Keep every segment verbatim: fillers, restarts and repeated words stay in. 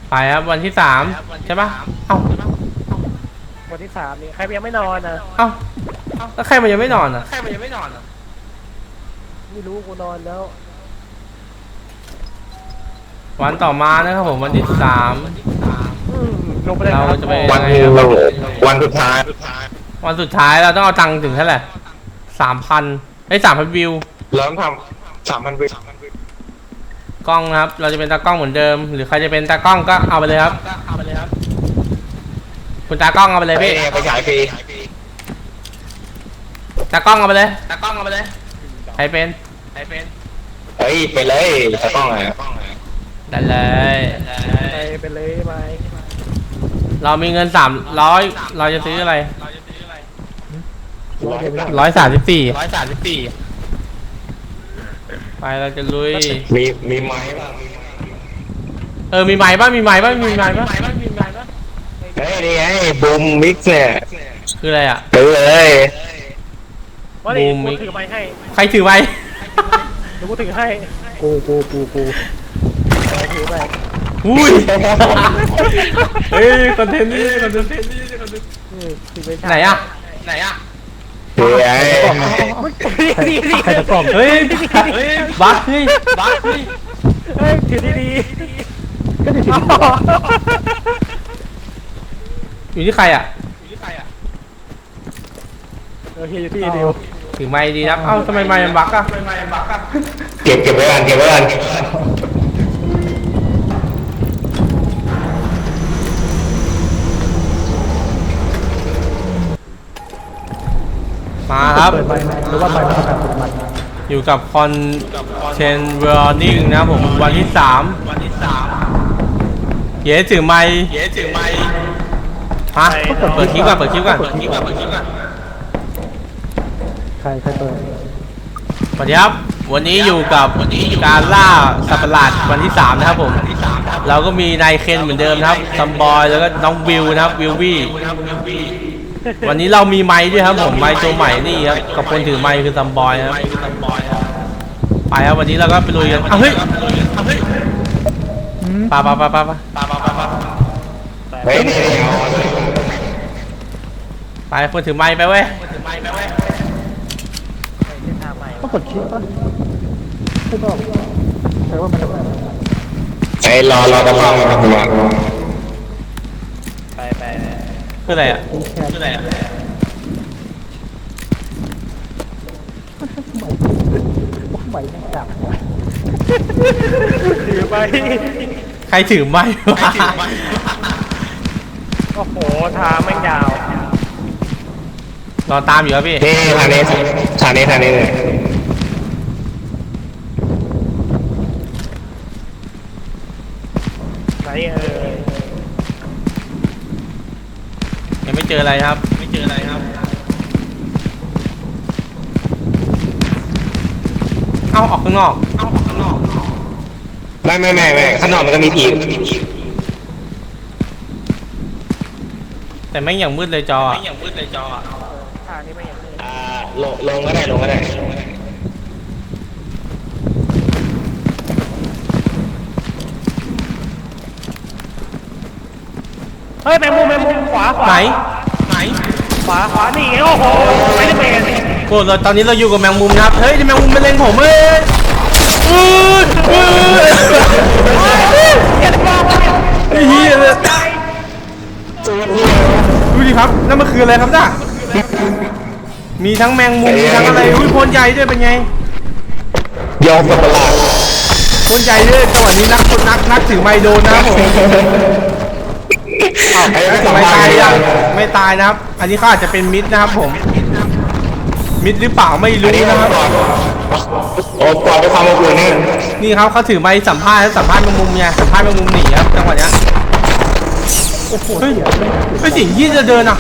ไปครับวันที่สามใช่ปะเอ้าวันที่สามนี่ใครยังไม่นอนอ่ะเอ้าแล้วใครมันยังไม่นอนอ่ะใครมันยังไม่นอนอ่ะไม่รู้กูนอนแล้ววันต่อมานะครับผมวันที่สามลงไปเลยเราจะไปวันวันสุดท้ายวันสุดท้ายเราต้องเอาตังค์ถึงเท่าไหร่สามพันไอ้สามพันวิวเริ่มทำสามพันวิวกล้องนะครับเราจะเป็นตากล้องเหมือนเดิมหรือใครจะเป็นตากล้องก็เอาไปเลยครับคุณตากล้องเอาไปเลยพี่ไปฉายฟรีตากล้องเอาไปเลยตากล้องเอาไปเลยใครเป็นใครเป็นเฮ้ยไปเลยตากล้องอ่ะได้เลยไปไปเลยไหมเรามีเงินสามร้อยเราจะซื้ออะไรร้อยสามสิบสี่ร้อยสามสิบสี่ไปเราจะลุยมีมีไม้บ้างเออมีไม้บ้างมีไม้บ้างมีไม้บ้างเฮ้ยนี่ไงบูมมิกซ์เนี่ยคืออะไรอ่ะซื้อเลยบูมมิกซ์ถือไม้ให้ใครถือไม้เดี๋ยวกูถือให้กูกูกูกูถือไปอุ้ยเฮ้ยคอนเทนต์นี่คอนเทนต์นี่ไหนอ่ะไหนอ่ะเฮ้ยใครจะกล่อมเฮ้ยบัสเฮ้ยบัสเฮ้ยเฮ้ยถือดีดีก็ถือดีอยู่ที่ใครอ่ะอยู่ที่ใครอ่ะโอเคอยู่ที่เดียวถือไม้ดีนะเอ้าทำไมไม้มันบักอ่ะทำไมไม้มันบักอ่ะเก็บเก็บไว้กันเก็บไว้กันมาครับหรือว่าไปประกาศมันอยู่กับคอนเทนเวอร์นิ่งนะผมวันที่สามวันที่สามเย้ถือไม้เย้ถือไม้ฮะเปิดคลิปก่อนเปิดคลิปก่อนเปิดคลิปก่อนเปิดคลิปก่อนใครใครเปิดสวัสดีครับวันนี้อยู่กับการล่าสัตว์ประหลาดวันที่สามนะครับผมเราก็มีนายเคนเหมือนเดิมนะครับซัมบอยแล้วก็น้องวิวนะครับวิววี่วันนี้เรามีไม้ด้วยครับผมไม้ตัวใหม่นี่ครับกับคนถือไม้คือซัมบอยครับไปครับวันนี้เราก็ไปลุยกันเฮ้ยปาปาปาปาปาปาปาปาปาไปคนถือไม้ไปเว้ยต้องกดคลิปป่ะไม่ต้องแต่ว่ามันจะไอ้รอรอตะล้องมาตัวไปไปคืออะไรอ่ะคืออะไรอ่ะใบไม่จับถือไปใครถือไม้วะโอ้โหทางไม่ยาวรอตามอยู่ครับพี่นี่ทางนี้ทางนี้ทางนี้เลยไหนเออยังไม่เจออะไรครับไม่เจออะไรครับเอาออกข้างนอกเอาออกข้างนอกไม่ไม่ไม่ไม่ข้างนอกมันก็มีผีแต่ไม่อย่างมืดเลยจอไม่อย่างมืดเลยจอทางนี้ไม่อย่างมืดอ่าลงลงก็ได้ลงก็ได้เฮ้ยแมงมุมแมงมุมขวาขวาไหนไหนขวาขวานี่โอ้โหไม่ได้เป็นโกรธตอนนี้เราอยู่กับแมงมุมนะครับเฮ้ยแมงมุมเป็นเลงผมเอ้ยอืออือไอ้เหี้ยเลยดูดิครับนั่นมันคืออะไรครับจ้ามีทั้งแมงมุมมีทั้งอะไรอุ้ยโพนใหญ่ด้วยเป็นไงยอมกับประหลาดโพนใหญ่ด้วยจังหวะนี้นักนักนักถือไมโดนนะครับผมไม่ตายยังไม่ตายนะครับอันนี้เขาอาจจะเป็นมิดนะครับผมมิดหรือเปล่าไม่รู้นะครับโอ้ปล่อยไปความอบอุ่นนี่นี่ครับเขาถือไม้สัมภาษณ์สัมภาษณ์แมงมุมเนี่ยสัมภาษณ์แมงมุมหนีครับจังหวะนี้เฮ้ยไอ้สิ่งที่จะเดินอ่ะ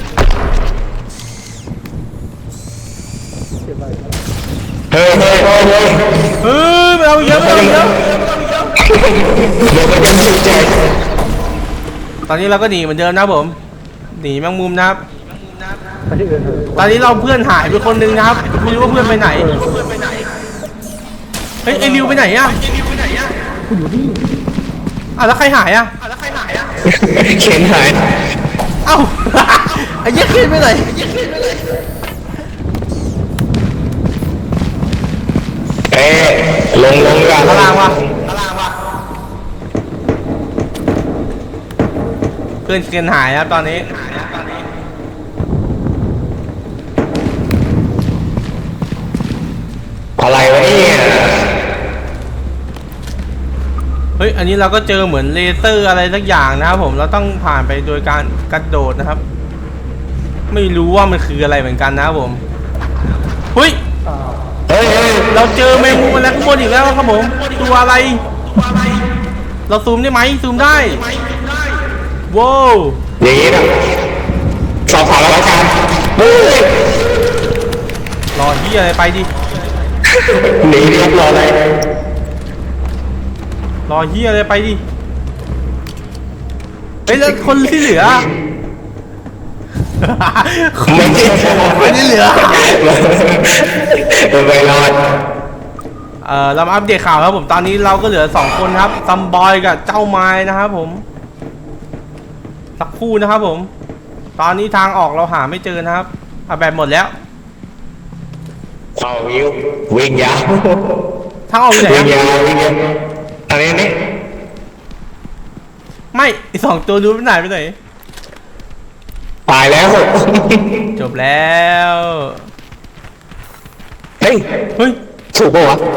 เฮ้ยเฮ้ยเฮ้ยเฮ้ยเราเยอะเราเยอะเดี๋ยวมันจะสุดใจตอนนี้เราก็หนีเหมือนเดิมนะผมหนีแมงมุมนะครับตอนนี้เราเพื่อนหายไปคนนึงนะครับไม่รู้ว่าเพื่อนไปไหนเฮ้ยไอริวไปไหนอ่ะอยู่นี่อ่ะแล้วใครหายอ่ะเข็นหายเอ้า ไอ้เหี้ยขึ้นไปไหนเอ้ลงลงกันพลังวะเพื่อนเกินหายครับตอนนี้อะไรวะเนี่ยเฮ้ย อันนี้เราก็เจอเหมือนเลเซอร์อะไรสักอย่างนะครับผม เราต้องผ่านไปโดยการกระโดดนะครับ ไม่รู้ว่ามันคืออะไรเหมือนกันนะครับผมเฮ้ยเฮ้ยเฮ้ยเราเจอแมงมุมอะไรข้างบนอีกแล้วครับผม ตัวอะไร เราซูมได้ไหมซูมได้ว้าวอย่างนี้นะสอบถามแล้วกันเฮ้ยรอที่อะไรไปดิหนีดิครับรออะไรรอที่อะไรไปดิ เฮ้ยแล้วคนที่เหลือไม่ใช่คนที่เหลือไปรอดเอ่อเรามาอัปเดตข่าวครับผม ตอนนี้เราก็เหลือสองคนครับซัมบอยกับเจ้าไม้นะครับผม สักครู่นะครับผม ตอนนี้ทางออกเราหาไม่เจอนะครับเอาแบบหมดแล้วเข้าวิววิ่งยาวทางออกอยู่ไหนวิ่งอะยาววิ่งยาวอันนี้นี่ไม่ไอสองตัวรู้ไปไหนไปไหนตายแล้วจบแล้วเฮ้ยเฮ้ยถูกปะวะ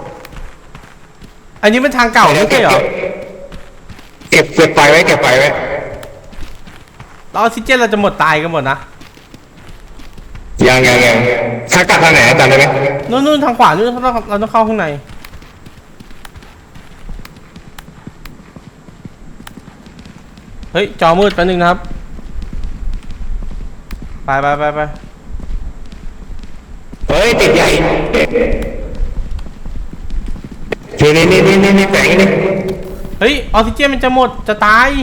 อันนี้เป็นทางเก่าไม่ใช่เหรอเก็บเก็บไปไว้เก็บไปไว้เราออกซิเจนเราจะหมดตายกันหมดนะยังยังยังถ้ากลับทางไหนจำได้ไหมนู่นนู่นทางขวานู่นเราต้องเราต้องเข้าข้างในเฮ้ยจอมืดแป๊บนึงนะครับไปไปไปไปเฮ้ยติดใหญ่นี่นี่นี่นี่นี่แสงนี่เฮ้ยออกซิเจนมันจะหมดจะตาย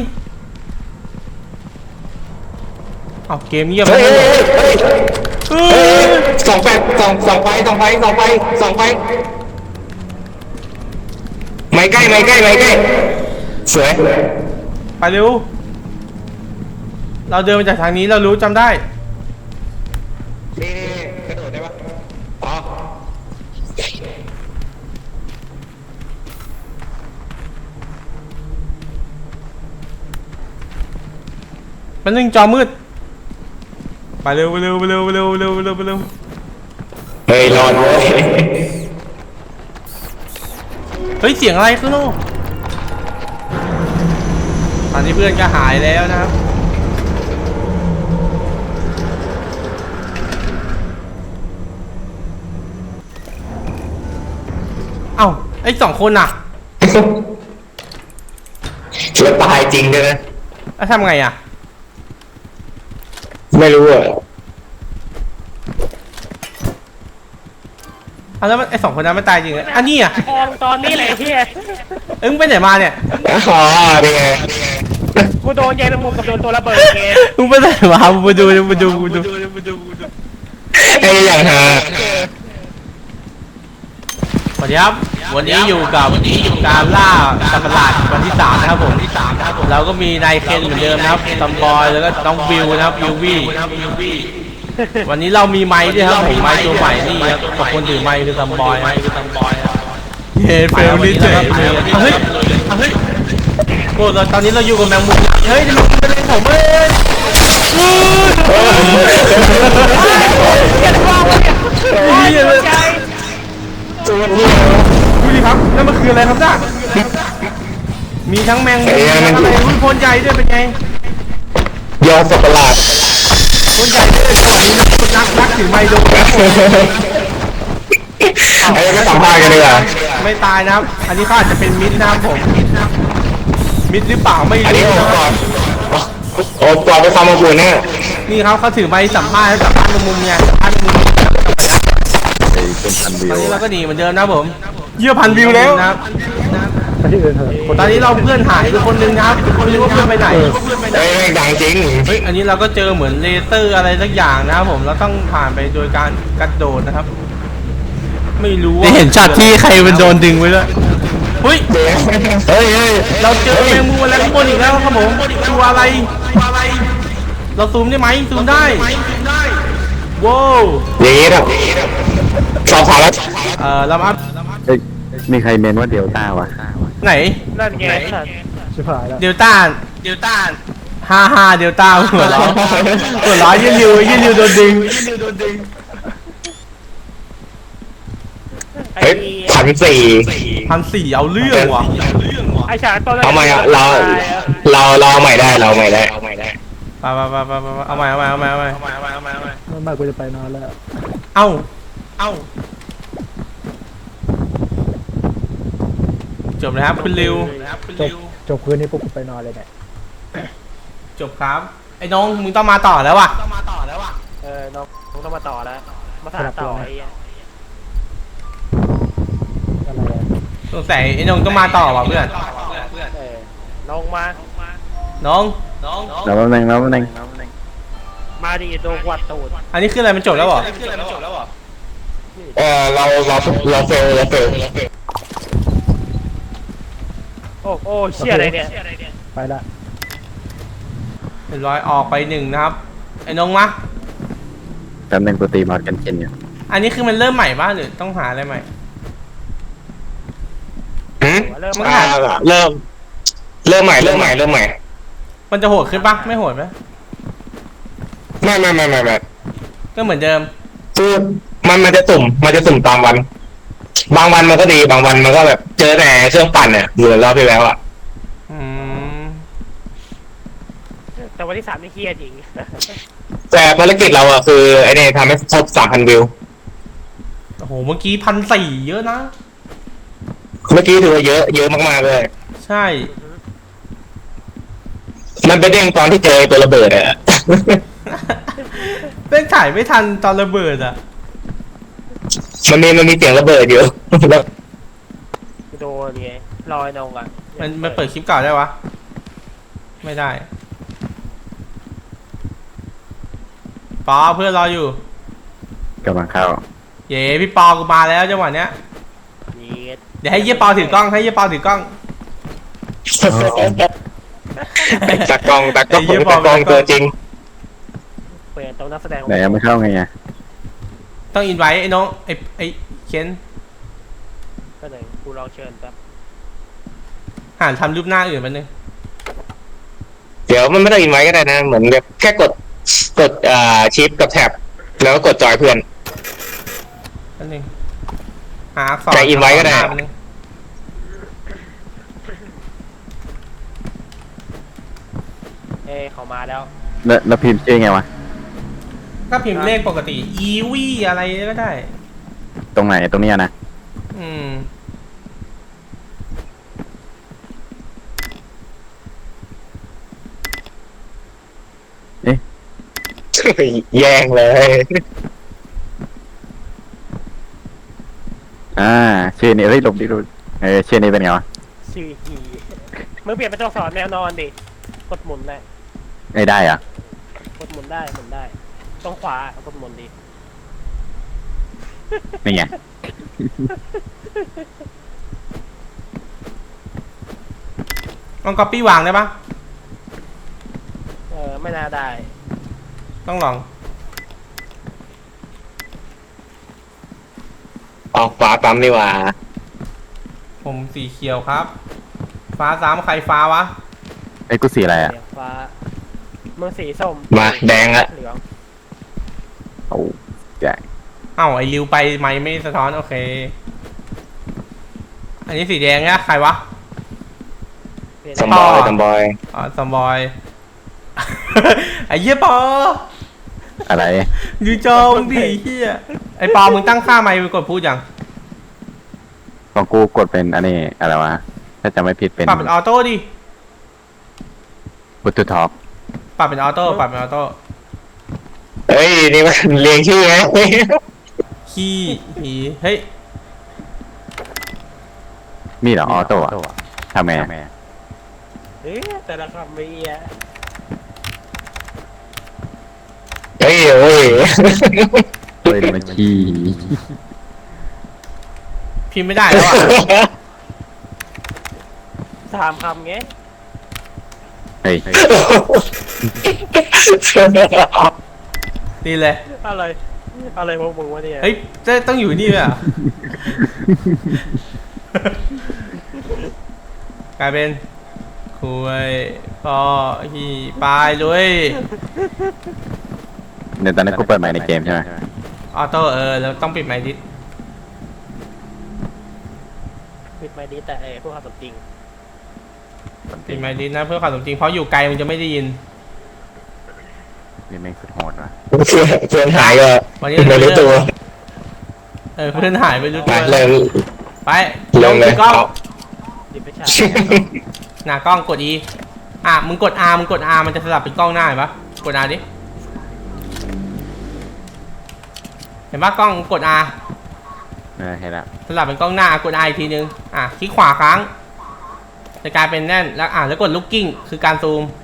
เอาเกมเงียบไปเฮ้ยหมเฮ้ยดเฮ้ยเฮ้ยสองแปดสองสองไฟสองไฟสองไฟสองไฟไม่ใกล้ไม่ใกล้ไม่ใกล้สวยไปเร็วเราเดินมาจากทางนี้เรารู้จำได้นี่นี่กระโดดได้ปะอ๋อมันนึงจอมืดไปเร็วไปเร็วไปเร็วไปเร็วไปเร็วไปเร็วไปเร็วเฮ้ยรอดเว้ยเฮ้ยเสียงอะไรข้างนอกตอนนี้เพื่อนก็หายแล้วนะครับเอ้าไอ้สองคนน่ะแล้วตายจริงด้วยนะแล้วทำไงอ่ะไม่รู้อ่ะเอาแล้วมันไอ้สองคนนั้นไม่ตายจริงเหรออันนี้อ่ะทองตอนนี้แหละเฮียเอ้ยมึงไปไหนมาเนี่ยอ๋อนี่ไงกูโดนใยแมงมุมกับโดนตัวระเบิดไงมึงไปไหนมามึงไปดูมึงไปดูมึงไปดูไอ้อย่างฮะสวัสดีครับวันนี้อยู่กับการล่าสัตว์ประหลาดวันที่สามนะครับผมเราก็มีนายเคนเหมือนเดิมนะครับซัมบอยแล้วก็น้องวิวนะครับวิววี่วันนี้เรามีไม้ด้วยครับผมไม้ตัวใหม่นี่ครับกับคนถือไม้คือซัมบอยเฮ้ยเฟลลี่เจ๋งเฮ้ยเฮ้ยโอ้ตอนนี้เราอยู่กับแมงมุมเฮ้ยมันเป็นเรื่องผมเอ้ยเฮ้ยใจตัวนี้ดูดิครับนั่นมันคืออะไรครับจ้ามีทั้งแมงมุมทั้งอะไรอุ้ยโพนใหญ่ด้วยเป็นไงยอสัตว์ประหลาดโพนใหญ่ด้วยสวัสดีนะคุณนักนักถือไมโดนไอ้ก็สัมภาษณ์กันดีกว่าไม่ตายนะครับ อันนี้เขาอาจจะเป็นมิดนะครับผมมิดหรือเปล่าไม่อันนี้รู้โอนะปอดโอปอดไปความอบอุ่นเนี่ยนี่ครับเขาถือไม้สัมภาษณ์สัมภาษณ์ในมุมไงสัมภาษณ์ในมุมตอนนี้เราก็หนีเหมือนเดิมนะครับผมเยี่ยพันวิวแล้วนะครับไปที่อื่นเถอะคนตอนนี้เราเพื่อนหายไปคนหนึงนะครับไม่รู้ว่าเพื่อนไปไหนเฮ้ยไม่ดังจริงเฮ้ย อันนี้เราก็เจอเหมือนเลเซอร์อะไรสักอย่างนะครับผม เราต้องผ่านไปโดยการกระโดดนะครับ ไม่รู้ว่าเห็นช็อตที่ใครมันโดนดึงไว้ด้วยเฮ้ยเฮ้ยเฮ้ยเราเจอแมงมุมอะไรข้างบนอีกแล้วครับผมตัวอะไรเราซูมได้ไหมซูมได้ว้าวอย่างนี้ครับสอบถามแล้วเออเรามาอัพเอ้ยมีใครเมนว่าเดลต้าวะไหนนั่นไงสัตว์ชิบหายแล้วเดลต้าเดลต้าฮ่าฮ่าเดลต้าหัวเราะหัวเราะยืนริวยืนริวโดนดึงไอ้เฮ้ยพันสี่พันสี่เอาเรื่องว่ะไอ้ฉากตอนแรกเอาใหม่อะเราเราเราเอาใหม่ได้เราเอาใหม่ได้ไปไปไปไปไปเอาใหม่เอาใหม่เอาใหม่เอาใหม่ไม่ไม่กูจะไปนอนแล้วเอ้าเอ้าจบนะครับคุณริวจบจบคืนนี้พวกกูไปนอนเลยเนี่ยจบครับไอ้น้องมึงต้องมาต่อแล้วว่ะเออน้องน้องต้องมาต่อแล้วมาถ่ายต่อไอ้เหี้ยอะไรอะสงสัยไอ้น้องต้องมาต่อว่ะเพื่อนเออน้องมาน้องแล้วแป๊บนึงแล้วแป๊บนึงมาดิโดนวัดตูดอันนี้คืออะไรมันจบแล้วเหรอเออเราเราเราเฟลเราเฟลโอ้โอ้เชี่ยอะไรเนี่ยไปละเรียบร้อยออกไปหนึ่งนะครับไอ้น้องมาแป๊บนึงกูตีมอดกันเจนอยู่อันนี้คือมันเริ่มใหม่บ้างหรือต้องหาอะไรใหม่หืมเริ่มมึงมาหาเริ่มเริ่มใหม่เริ่มใหม่เริ่มใหม่มันจะโหดขึ้นปะไม่โหดไหมไม่ไม่ไม่ไม่ไม่ก็เหมือนเดิมคือมันมันจะสุ่มมันจะสุ่มตามวัน บางวันมันก็ดีบางวันมันก็แบบเจอแต่เครื่องปั่นเนี่ยเหมือนรอบที่แล้วอ่ะอืมแต่วันที่สามนี่เครียดจริงแต่ภารกิจเราอ่ะคือไอ้นี่ทำให้ครบสามพันวิวโอ้โหเมื่อกี้พันสี่เยอะนะเมื่อกี้ถือว่าเยอะเยอะมากๆเลยใช่มันไปเด้งตอนที่เจอไอ้ตัวระเบิดอ่ะเป็นถ่ายไม่ทันตอนระเบิดอ่ะมันมีมันมีเสียงระเบิดอยู่ แล้วโดนไงลอยนองอ่ะมันมันเปิดคลิปเก่าได้วะ ไม่ได้ปอเพื่อนรออยู่กำลังเข้าเย้พี่ปอกูมาแล้วจังหวะเนี้ยเย็ดเดี๋ยวให้เยี่ยปอถือกล้องให้เยี่ยปอถือกล้องตากล้องตากล้องไอ้เหี้ยบอตาก กล้องตากล้องตัวจริงเปลี่ยนตรงนักแสดงไหนยังไม่เข้าไงอ่ะต้องอินไว้ไอ้น้องไอ้ไอ้เคนก็เลยกูลองเชิญแป๊บหานทำรูปหน้าอื่นมันนึงเดี๋ยวมันไม่ต้องอินไว้ก็ได้นะ เหมือนแบบแค่กดกดอ่าชิปกับแท็บแล้วก็กดจอยเพื่อนมันนึงหาอักษรแต่อินไว้ก็ได้หามันนึงเอ้ยเขามาแล้วแล้วแล้วพิมพ์ชื่อไงวะก็พิมพ์เลขปกติอีวีอะไรก็ได้ตรงไหนตรงเนี้ยนะอืมแย่งเลยอ่าชื่อนี้เฮ้ยหลบดิดูเออชื่อนี้เป็นไงวะชื่อฮีมึงเปลี่ยนเป็นตัวสอนแนวนอนดิกดหมุนได้ไม่ได้อ่ะกดหมุนได้หมุนได้ตรงขวากดหมุนดินี่ไงลองก๊อปปี้วางได้ปะเออไม่น่าได้ต้องลองออกฟ้าปั๊มดีกว่าผมสีเขียวครับ ฟ้าสามใครฟ้าวะไอ้ยกูสีอะไรอ่ะเสียฟ้ามึงสีส้มมาแดงละเหลืองโอ้แจ๋งเอ้าไอ้ริวไปไม่ไม่สะท้อนโอเค อันนี้สีแดงเนี่ยใครวะเปลี่ยนสมบอยสมบอยอ๋อสมบอย ไอ้เหี้ยปออะไรดูจอมึงดิเหี้ยไอ้ปอมึงตั้งค่าไมค์มึงกดพูดยังของกูกดเป็นอันนี้อะไรวะถ้าจำไม่ผิดเป็นปรับเป็นออโต้ดิบลูทูธท็อปปรับเป็นออโต้ปรับเป็นออโต้เฮ้ยนี่มันเรียงชื่อไงขี้หีเฮ้ยมีเหรอออโต้อะทำไงอะเอ๊ะแต่ละคำไม่เอียเฮ้ยเฮ้ยเฮ้ยมันขี้พิมพ์ไม่ได้แล้วอ่ะถามคำไงเฮ้ยนี่เลยอะไรอะไรพวกมึงวะเนี่ยเฮ้ยจะต้องอยู่นี่เลยเหรอ่ะ กลายเป็นคุยพอฮีปลายด้วยเดี๋ยวตอนนั้นกูเปิดใหม่ในเกมใช่ไหมออโต้เออแล้วต้องปิดไมค์ดิสปิดไม่ดีแต่ไอ้พวกความสมจริงปิดไมค์ดิสนะเพื่อความสมจริงเพราะอยู่ไกลมันจะไม่ได้ยินนี่แม่งสุดโหดว่ะเพื่อนเพื่อนหายก็วันนี้ไม่รู้ตัวเออเพื่อนหายไปรู้ไปตัวเริ่มไปเริ่มเลยกล้องเอาดิบไปฉายหน้ากล้องกด E อ่ะมึงกด R มึงกด R มันจะสลับเป็นกล้องหน้าเห็นปะกด R ดิเห็นปะกล้องกด R เออเห็นละสลับเป็นกล้องหน้ากด R อีกทีนึงอ่ะคลิกขวาค้างจะกลายเป็นแน่นแล้วอ่ะแล้วกด looking คือการซูม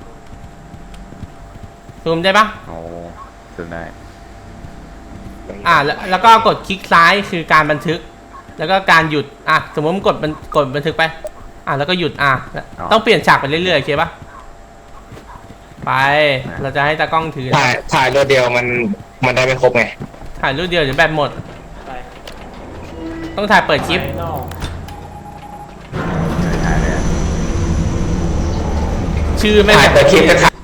ซูมได้ปะโอ้สุดได้อ่ะแล้วแล้วก็กดคลิกซ้ายคือการบันทึก แล้วก็การหยุดอ่ะสมมติมึงกดบันกดบันทึกไปอ่ะแล้วก็หยุดอ่ะต้องเปลี่ยนฉากไปเรื่อยๆโอเคปะไปเราจะให้ตากล้องถือถ่ายถ่ายรถเดียวมันมันได้ไม่ครบไงถ่ายรูปเดียวเดี๋ยวแบตหมดไปต้องถ่ายเปิดคลิปไปนอกชื่อไม่ถ่ายงแต่คลิปจะถ่าย